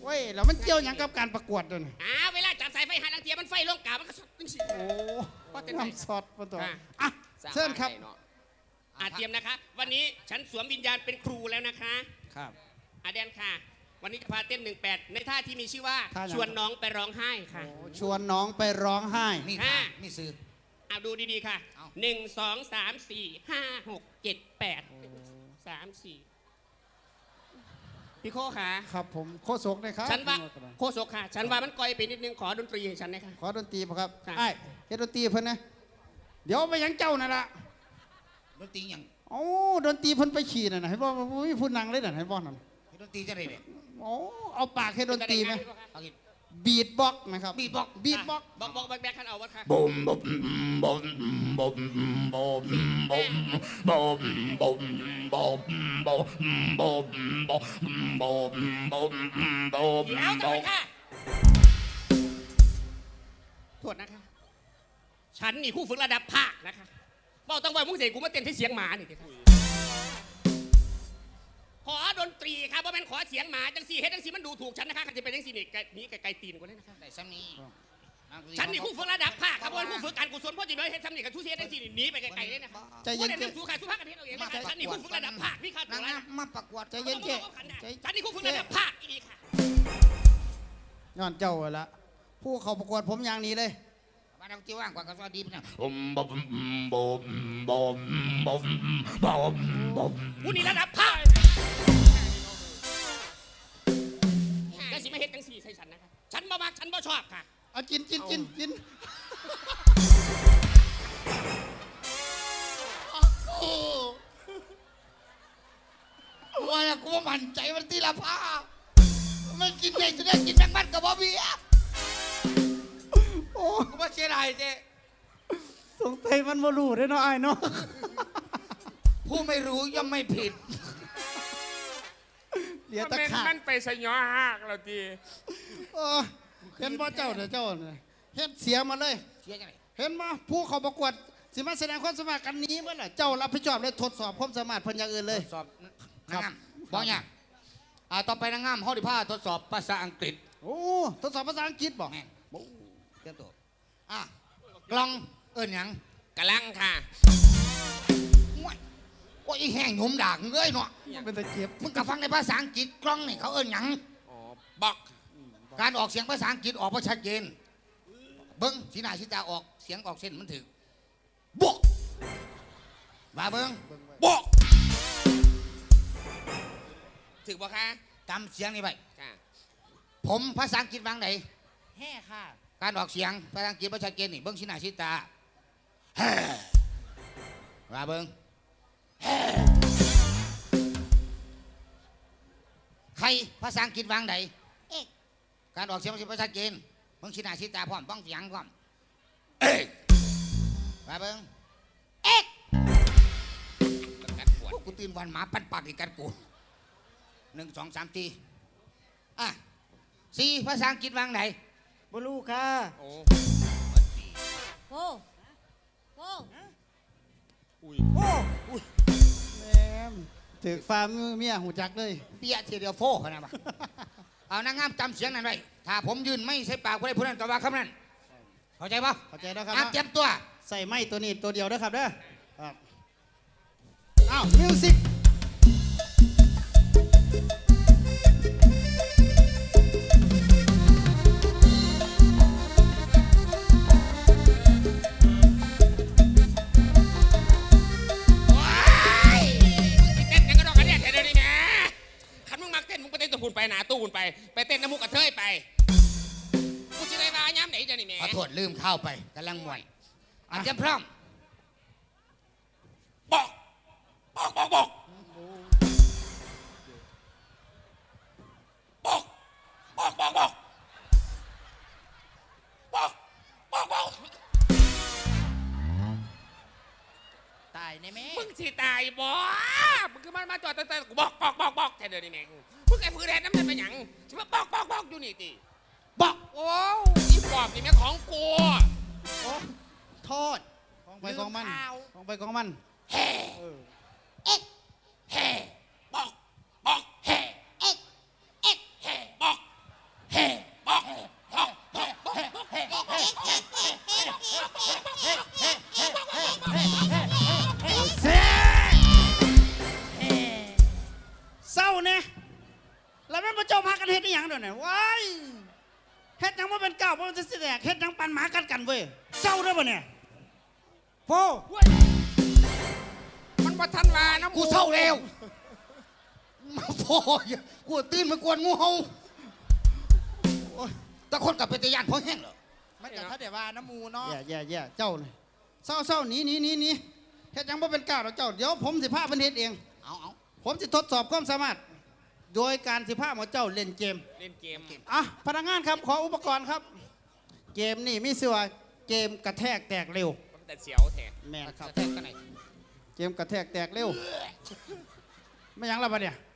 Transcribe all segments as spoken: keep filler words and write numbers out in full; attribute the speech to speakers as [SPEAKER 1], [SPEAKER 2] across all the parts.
[SPEAKER 1] เว้ยแล้วมันเกี่ยวอย่างกับการประกวดด้วยนะ
[SPEAKER 2] อ้าเวลาจับสายไฟหาลังเทียมันไฟลงกามันก็สดจริงๆ
[SPEAKER 1] โอ้
[SPEAKER 2] ว่าแต่ไหน
[SPEAKER 1] น้ำซอสมาต่อ
[SPEAKER 2] อ่ะ
[SPEAKER 1] อ่ะเชิญครับ
[SPEAKER 2] อาเตรียมนะคะ วันนี้ฉันสวมวิญญาณเป็นครูแล้วนะคะ
[SPEAKER 1] ครับ
[SPEAKER 2] อาแดนค่ะ วันนี้จะพาเต้นหนึ่งแปดในท่าที่มีชื่อว่า
[SPEAKER 1] ท่าไหน
[SPEAKER 2] ชวนน้องไปร้องไห้ค่ะ
[SPEAKER 1] ชวนน้องไปร้องไห้
[SPEAKER 3] นี่
[SPEAKER 2] ห้า
[SPEAKER 3] นี่ซื้อ
[SPEAKER 2] เอาดูดีๆค่ะ
[SPEAKER 3] เอา
[SPEAKER 2] หนึ่งสองสามสี่ห้าหกเจ็ดแปดสามสี่พี่โคค่ะ
[SPEAKER 1] ครับผมโคศกนะครับ
[SPEAKER 2] ฉันว่าโคศกค่ะ ฉันว่ามันก่อยไปนิดนึงขอดนตรีให้ฉันหนะคะ
[SPEAKER 1] ขอดนตรีป่ะครับ
[SPEAKER 2] ค่ะ
[SPEAKER 1] ไอ้เฮ็ดดนตรีเพิ่นนะเดี๋ยวไปยังเจ้านั่นละ
[SPEAKER 3] ดนตรีอย่าง
[SPEAKER 1] โอ้ดนตรีเพิ่นไปขี่นั่นน่ะให้บ่มีผู้นั่งเลยนั่นให้บ่นั่น
[SPEAKER 3] ดนตรีจะได้เนี่ย
[SPEAKER 1] โอ้เอาปากเฮ็ดดนตรีไหม
[SPEAKER 3] เอากิน
[SPEAKER 1] บีทบ็อกซ์นะครับ
[SPEAKER 3] บีทบ็อกซ์
[SPEAKER 1] บีทบ็อกซ์
[SPEAKER 2] บอกบอกแบกแบกขันเอาวะค่ะ
[SPEAKER 4] Boom, boom, boom, boom, boom, boom, boom, boom, boom, boom, boom, boom, boom, boom,
[SPEAKER 2] เดี๋ยวจะไป
[SPEAKER 4] boom.
[SPEAKER 2] ค่ะโทษนะคะ ฉันนี่คู่ฝึกระดับภาคนะคะบอกต้องว่ามึงเสียกูมาเต้นที่เสียงหมานี่ทีขอดนตรีครับว่าเป็นขอเสียงหมาจังสีเฮ็ดจังสีมันดูถูกฉันนะคะจะเป็นจังสีนี่ไกลนี่ไกลๆตีนกูเลยนะคะ
[SPEAKER 3] ได้ซ้ำนี้
[SPEAKER 2] ฉันนี่คู่ฝึกระดับภาคครับว่าคู่ฝึกการกุศลพ่อจีบเฮ็ดทำนี่กับทุเสียจังสีนี่หนีไปไกลๆเลยนะคะ
[SPEAKER 1] ใจเย็น
[SPEAKER 2] ว่า
[SPEAKER 1] เจ๊
[SPEAKER 2] เดี๋ยวสู้ใครสู้ภาคกันเฮ็ดเอาเองนะคะฉันนี่คู่ฝึกระดับภาคพี่ข้าตั
[SPEAKER 3] นาว ง
[SPEAKER 2] แล้ว
[SPEAKER 3] งามมาประกวด
[SPEAKER 1] ใจเย็นเจ๊ใจ
[SPEAKER 2] ฉันนี่คู่ฝึกระดับภาคอีนี่ค่ะ
[SPEAKER 1] ย้อนเจ้าละผู้เข้าประกวดผมอย่างนี้เลย
[SPEAKER 3] มาเราที่ว่างกว่าก็สวัสดีนะ
[SPEAKER 4] Boom, boom, boom, boom, boom, boom, boom.
[SPEAKER 2] กูนี่ระดับภาคจังสีไม่เฮ็ดจังสีใส่ฉันนะคะฉันบ่มักฉันบ่ชอบค่ะ
[SPEAKER 1] เอากินกินกินกิน
[SPEAKER 3] ว่ากูมั่นใจมันที่ละผ้าไม่กินได้จะได้กินแมงมันกับบอบบี้
[SPEAKER 1] โอ้
[SPEAKER 3] กูว่าเสียดายเจ๊
[SPEAKER 1] สงสัยมันบ่รู้เด้อเนาะไอ้ายเนาะ
[SPEAKER 3] ผู้ไม่รู้ย่อมไม่ผิด
[SPEAKER 1] เหลีย
[SPEAKER 5] มัน
[SPEAKER 1] ตะ
[SPEAKER 5] เป็น
[SPEAKER 1] ขาด
[SPEAKER 5] มันไปสยอหักเราที
[SPEAKER 1] เออเห็นบ่เจ้าเด้อเจ้าเนี่ยเฮ็ดเสียมาเลย
[SPEAKER 3] เสียจังไหน
[SPEAKER 1] เห็นบ่ผู้เข้าประกวดสิมาแสดงความสามารถกันนี้เมื่อไหร่เจ้ารับผิดชอบเลยทดสอบความสามารถเพิ่นอย่างอื่นเลย
[SPEAKER 3] ทดสอบนางงามบอกอย่างอ่าต่อไปนางงามเขาดิผ้าทดสอบภาษาอังกฤษ
[SPEAKER 1] โอ้ทดสอบภาษาอังกฤษบ่
[SPEAKER 3] แม่งเตรียมตัวอ่ะกล่องเอิ้นหยัง
[SPEAKER 2] กำลังค่ะ
[SPEAKER 3] โอ้ยโอ้ยอีแห้งหนุ่มด่างเงยเนาะ
[SPEAKER 1] เป็นตะเกียบ
[SPEAKER 3] มึงก็ฟังในภาษาอังกฤษกล้องนี่เขาเอิ้นหยัง
[SPEAKER 2] อ๋อบอก
[SPEAKER 3] การออกเสียงภาษาอังกฤษออกมาชัดเจนเบิ้งสีหน้าสีตาออกเสียงออกเส้นมันถึงบอกมาเบิ้งบอก
[SPEAKER 2] ถึงบอกค่ะ
[SPEAKER 3] จำเสียงนี่ไป
[SPEAKER 2] ค่ะ
[SPEAKER 3] ผมภาษาอังกฤษวางไหน
[SPEAKER 1] แห่ค่ะ
[SPEAKER 3] การออกเสียงภาษาอังกฤษภาษาเกณฑ์นี่เบิ้งสีหน้าสีตาแฮ่มาเบิ้งแฮ่ใครภาษาอังกฤษวางไหนเอ๊ะการออกเสียงภาษาเกณฑ์เบิ้งสีหน้าสีตาพร้อมบ้องเสียงพร้อมเอ๊ะมาเบิ้งเอ๊ะ
[SPEAKER 2] กัดปวด
[SPEAKER 3] พวกกูตื่นวันหมาปันปากอีกกันกูหนึ่งสองสามทีอ่ะสี่ภาษาอังกฤษวางไหน
[SPEAKER 1] บ่รู้ค่ะ
[SPEAKER 2] โอ้
[SPEAKER 6] โอ้โอ้
[SPEAKER 1] โอ้แม่มถือฟ้ามือเมียหูจักเลย
[SPEAKER 3] เปียทีเดียวโฟขนาดนั้นเอานางงามจำเสียงนั้นไว้ถ้าผมยืนไม่ใช่ปากผู้ใดผู้นั้นก็ว่าคำนั้นเข้าใจปะ
[SPEAKER 1] เข้าใจแล้วครับ
[SPEAKER 3] อ่ะเตรียมตัว
[SPEAKER 1] ใส่ไม้ตัวนี้ตัวเดียวเด้อครับเด้อครับอ้าวมิวสิก
[SPEAKER 2] ว้ายมึงสิเต้นยังกระดอกกระเดียดแค่เดี๋ยวนี้แหม่คันมึงมักเต้นมึงไปเต้นตะหุ่นไปหนาตู้หุ่นไปไปเต้นน้ำมุกกระเทยไปกูจะได้มาย้ำไหนเดี๋ยวนี้แหม่
[SPEAKER 3] ขอโทษลืมเข้าไปกำลังมวยอ่ะเตรียมพร้อม
[SPEAKER 2] บอกบอกบอกบอกบอกบอกบอกบอกบอกบอกบอก
[SPEAKER 1] ตายในแม่
[SPEAKER 2] มึงสิตายบ่มึงคือมันมาจอดตั้งแต่กูบอกบอกบอกบอกแค่เดี๋ยวนี้แหม่มึงไอ้พื้นแดนน้ำมันเป็นหยังใช่ไหมบอกบอกบอกอยู่นี่ติบอกโอ้ยบอกนี่แม่ของกู
[SPEAKER 1] โอ้โทษกองไปกองมันกองไปกองมัน
[SPEAKER 2] แฮ่เอ๊ะแฮ่บอกบอกแฮ่เอ๊ะเอ๊ะแฮ่บอก
[SPEAKER 1] หยังเดี๋ยวนี้ว้ายเฮ็ดหยังว่าเป็นก้าวว่าจะสิแดกเฮ็ดหยังปันหมากัดกันเว้ยเศร้าด้วยป่ะเนี่ยโฟ
[SPEAKER 2] มันบ่ทันว่านะ
[SPEAKER 3] กูเศร้าแล้วมาพออย่ากูตื่นมากวนงูเห่าโอ้ยแต่คนกับเป็นตะยานพอแห้งเหรอ
[SPEAKER 5] มันกับถ้าเดี๋ยวว่าน้ำมูเนาะ
[SPEAKER 1] แย่แย่แย่เจ้าเลยเศร้าเศร้าหนีหนีหนีหนีเฮ็ดหยังว่าเป็นก้าวหรอกเจ้าเดี๋ยวผมสิพาเพิ่นเฮ็ดเอง
[SPEAKER 3] เอาเอา
[SPEAKER 1] ผมจะทดสอบความสามารถ โดยการสิพาหมอเจ้าเล่นเกม
[SPEAKER 2] เล่นเกม
[SPEAKER 1] อ่ะพนักงานครับขออุปกรณ์ครับ เกมนี่มีชื่อว่าเกมกระแทกแตกเร็ว
[SPEAKER 2] มันแต่เสียวแท้
[SPEAKER 1] แม่นครับ
[SPEAKER 3] แทกกันไหน
[SPEAKER 1] เกมกระแทกแตกเร็วไม่หยังและปะเนี่ย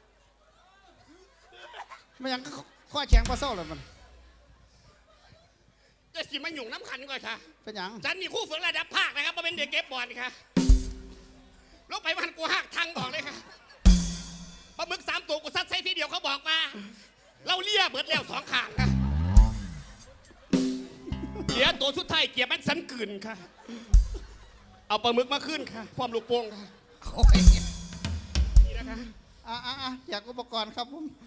[SPEAKER 1] ไม่หยังข้อแข็งปลาเศร้าเลยมัน
[SPEAKER 2] จะสิมาหยุ่งน้ำขันก่อนค่ะ
[SPEAKER 1] เป็นหยัง
[SPEAKER 2] ฉันมีคู่ฝึกระดับภาคนะครับมาเป็นเด็กเก็บบอลค่ะลงไปวันกูหักทางบอกเลยค่ะปลาหมึกสามตัวกูซัดใส่ทีเดียวเขาบอกมาเราเลี้ยเบิดแล้วสองขางค่ะเหลือตัวสุดท้ายเกียร์มันสันกลืนค่ะ เอาปลาหมึกมาขึ้นค่ะพร้อมลูกโป่งค่ะ
[SPEAKER 3] โอ้ย
[SPEAKER 2] นี่นะคะ
[SPEAKER 1] อ่ะอ่ะอ่ะอยากอุปกรณ์ครับผม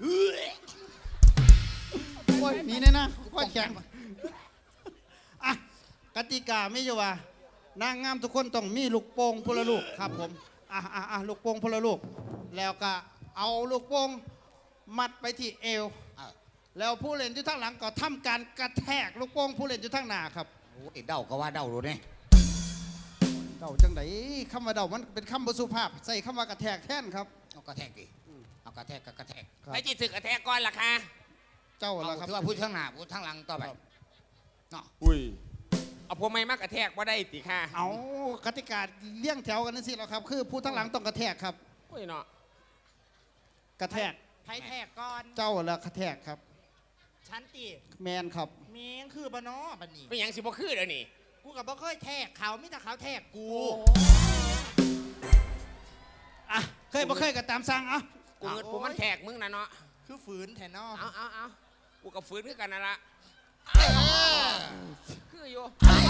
[SPEAKER 1] โอ้ยหนี่เนี่ยนะข้อแข็งอ่ะกติกาไม่อยู่ว่านางงามทุกคนต้องมีลูกโป่งพลลูกครับผมอ่ะอ่ะอ่ะลูกโป่งพลลูก แล้วก็เอาลูกโป่งมัดไปที่เอว
[SPEAKER 3] เอา
[SPEAKER 1] แล้วผู้เล่นอยู่ทางหลังก็ทำการกระแทกลูกโป่งผู้เล่นอยู่ทางหน้าครับ
[SPEAKER 3] โอ้ยเดาก็ว่าเดาดูเนี่ย
[SPEAKER 1] เดาจังไดคำว่าเดามันเป็นคำบสุภาพใส่คำว่ากระแทกแท่นครับ
[SPEAKER 3] เอากระแทกดิเอากระแทกกับกระแทก
[SPEAKER 1] ครับ
[SPEAKER 2] ไปจีสึกกระแทกก่อนล่ะค่ะ
[SPEAKER 1] เจ้า
[SPEAKER 3] เอา
[SPEAKER 1] ละครับ
[SPEAKER 3] ถือว่าพูดข้างหน้าพูดข้างหลังต่อไปเนาะ
[SPEAKER 2] อุ้ยเอาพวกไม่มากกระแทกว่าได้ติค่ะ
[SPEAKER 1] เอากติกาเลี้ยงแถวกันนั่นสิแล้วครับ คือผู้ทางหลังต้องกระแทกครับ
[SPEAKER 2] อุ้ยเนาะ
[SPEAKER 1] กระแทก
[SPEAKER 5] ไพ่แทกก่อน
[SPEAKER 1] เจ้าละกระแทกครับ
[SPEAKER 5] ชั้นตี
[SPEAKER 1] แมนครับ
[SPEAKER 5] เมียงคือบ้านอบันนี้
[SPEAKER 2] เป็นหยังสิบ่คือเดี๋ยวนี้
[SPEAKER 5] กูกับบ่เคยแทกเขาไม่แต่เขาแทกกู
[SPEAKER 1] อ่ะเคยบ่เคยก็ตามสั่งเอ่ะ
[SPEAKER 2] กูเงินกูมันแทกมึงนะเนาะ
[SPEAKER 5] คือฝืนแทนนอ
[SPEAKER 2] เอาเอาเอากูกับฟื้นคือกันนั่นละคืออยู่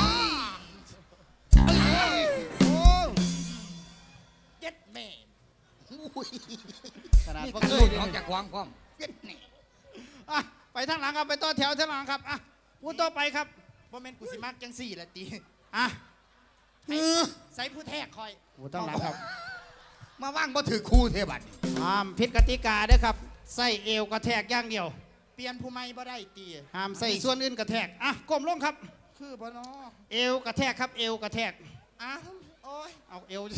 [SPEAKER 1] โอ้
[SPEAKER 5] เจ็ดแม่
[SPEAKER 3] อุ้ย
[SPEAKER 1] ขนาด
[SPEAKER 3] มี
[SPEAKER 1] บ่
[SPEAKER 3] การ
[SPEAKER 1] เค
[SPEAKER 3] ลุ้
[SPEAKER 1] ย
[SPEAKER 3] นออกจากความพร้อมเย็ดนี่
[SPEAKER 1] อ่ะไปทางหลังครับไปต่อแถวทางหลังครับอ่ะผู้ต่อไปครับ
[SPEAKER 5] บ่แม่นกูสิมากจังสี่ละตี
[SPEAKER 1] อ่ะ
[SPEAKER 5] ใส่ผู้แทกคอย
[SPEAKER 1] ผู้ทางหลังครับ
[SPEAKER 3] มาว่างบ่ถือคู่เทบัดนี่
[SPEAKER 1] ห้ามผิดกติกาเด้อครับใส่เอวกระแทกอย่างเดียว
[SPEAKER 5] เปลี่ยนผู้ไม่บ่ได้ตี
[SPEAKER 1] ห้ามใส่ส่วนอื่นกระแทกอ่ะก้มลงครับ
[SPEAKER 5] คือบ้านอ
[SPEAKER 1] เอวกระแทกครับเอวกระแทก
[SPEAKER 5] อ้าวโอ้ย
[SPEAKER 1] เอาเอว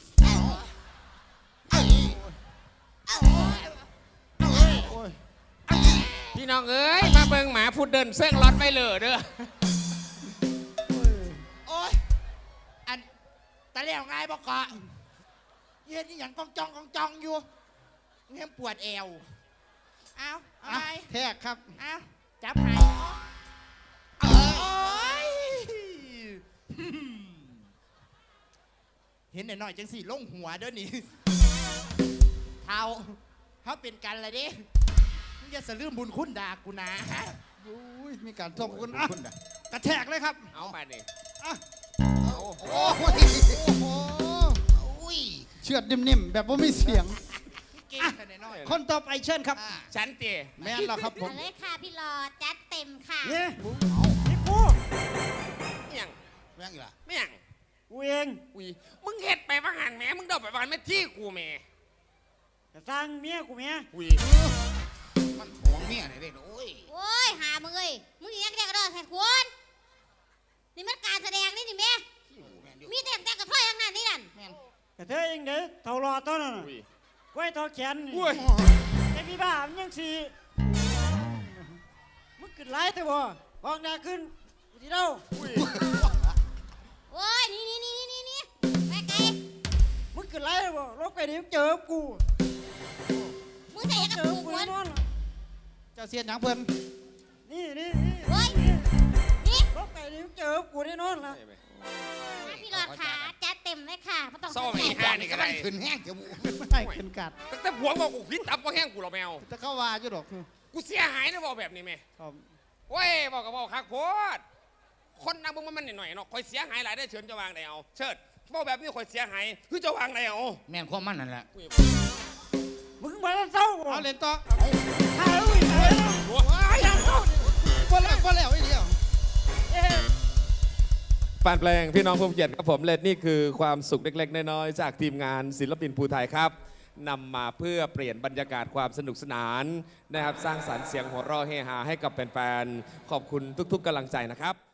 [SPEAKER 1] โอ้ย
[SPEAKER 2] พี่น้องเอ้ยมาเบิ่งหมาพูดเดินเส้งรถไปเลยเด้อ
[SPEAKER 5] โอ้ยอันตะเลี้ยวไงบอกเกาะเย็นนี่อย่างกองจองกองจองอยู่เงี้ยปวดแอวเอาเอา
[SPEAKER 1] อ่ะ
[SPEAKER 5] ไป
[SPEAKER 1] แทกครับ
[SPEAKER 5] เอาจับให้โอ้ยเห็นหน่อยๆจังสี่ลงหัวเด้อนี่เท้าเขาเป็นกันเลยดิมึงอย่าสะลืมบุญคุณดากูนะฮะ
[SPEAKER 1] อุ้ยมีการส่งคุณอ่ะกระแทกเลยครับ
[SPEAKER 2] เอาไปดิ
[SPEAKER 1] อ่ะ
[SPEAKER 3] โอ้โห
[SPEAKER 1] โอ้โห
[SPEAKER 3] อุ้ย
[SPEAKER 1] เชือดนิ่มๆแบบว่าไม่เสียง
[SPEAKER 5] เก่งขนาดน้อย
[SPEAKER 1] คนต่อไปเชิญครับ
[SPEAKER 3] อ่า
[SPEAKER 2] ฉันตี
[SPEAKER 1] แม่นแล้วครับผม
[SPEAKER 6] เอาเลยค่ะพี่หลอดจัดเต็มค่ะ
[SPEAKER 1] เนี่ย
[SPEAKER 5] นี่กู
[SPEAKER 2] ไม่ยัง
[SPEAKER 3] แม่งอีกล่ะ
[SPEAKER 2] ไม่ยัง
[SPEAKER 5] กูเอง
[SPEAKER 2] อุ้ยมึงเฮ็ดไปว่าหันแหม่มึงเดาไปว่าหันแม่ที่กูแหม่
[SPEAKER 5] จะสร้างเมียกูเมีย
[SPEAKER 2] อุ้ย
[SPEAKER 3] มันห่วงเมียเลยเด้โอ้ย
[SPEAKER 6] โอ้ยหามึงเอ้ยมึงนี่ยังแดกกระโดดแทนควรนี่มันการแสดงนี่นี่แม่
[SPEAKER 3] แม่นอยู่
[SPEAKER 6] มีแต่แต่กระถ้อยทั้งนั้นนี่นั่น
[SPEAKER 3] แม่น
[SPEAKER 7] กระเทยเองเด้อเท่ารอต้นน่ะ
[SPEAKER 2] อุ้ย
[SPEAKER 7] กล้วยทอแขนนี่
[SPEAKER 2] อุ้ย
[SPEAKER 7] แต่พี่บ้ามันยังสีมึงขึ้นไล่แต่บ่ออกหน้าขึ้นกูสิเดา
[SPEAKER 2] อุ้ย
[SPEAKER 6] โอ้ยนี่นี่นี่นี่นี่ไปไกล
[SPEAKER 7] มึงขึ้นไล่แต่บ่ลงไปเดี๋ยวเจอกู
[SPEAKER 6] มึงใส่กระ
[SPEAKER 7] เจ
[SPEAKER 6] ปุ
[SPEAKER 7] อก กู
[SPEAKER 6] มั
[SPEAKER 7] แน่
[SPEAKER 6] น
[SPEAKER 7] นอน
[SPEAKER 1] เจ้าเสียนหยังเพิ่น
[SPEAKER 7] นี่นี่นี่
[SPEAKER 6] โอ้ยนี่
[SPEAKER 7] ลงไปเดี๋ยวเจอกูแน่นอนล่ะ
[SPEAKER 6] พี่หลอดขาจัดเต็มเลยค่ะไม่ต้อง
[SPEAKER 2] ซ่อม
[SPEAKER 6] แท
[SPEAKER 2] อี
[SPEAKER 6] ก
[SPEAKER 2] ห้านี่ก็ได้
[SPEAKER 3] ขึ้นแห้งจมูก
[SPEAKER 1] ไม่ให้ขึ้นกัด
[SPEAKER 2] ตั้งแต่ผัวบอกกูพิษตับว่าแห้งกูหรอแมว
[SPEAKER 1] จะเข้าว่าอยู่ดอก
[SPEAKER 2] กูเสียหายนะบอกแบบนี้แม่
[SPEAKER 1] ครับ
[SPEAKER 2] โอ้ยบอกกับบอกคักโพดคนนั่งบึงมันหน่อยๆเนาะคอยเสียหายหลายได้เชิญจะวางไหนเอาเชิดบอกแบบนี้คอยเสียหายคือจะวางไหนเอา
[SPEAKER 3] แม่นความมันนั่นแหละ
[SPEAKER 2] อุ้ย
[SPEAKER 7] มึงมาเศร้าบ่
[SPEAKER 1] เอาเล่นต่อ
[SPEAKER 7] หาลูกหาลูก
[SPEAKER 1] ว้ายคนแล้วคนแล้วไอ้เดียว
[SPEAKER 7] เอ๊ะ
[SPEAKER 8] แฟนเพลงพี่น้องผู้เกียรติครับผมและนี่คือความสุขเล็กๆน้อยๆจากทีมงานศิลปินภูไทยครับนำมาเพื่อเปลี่ยนบรรยากาศความสนุกสนานนะครับสร้างสรรค์เสียงหัวเราะเฮฮาให้กับแฟนๆขอบคุณทุกๆกำลังใจนะครับ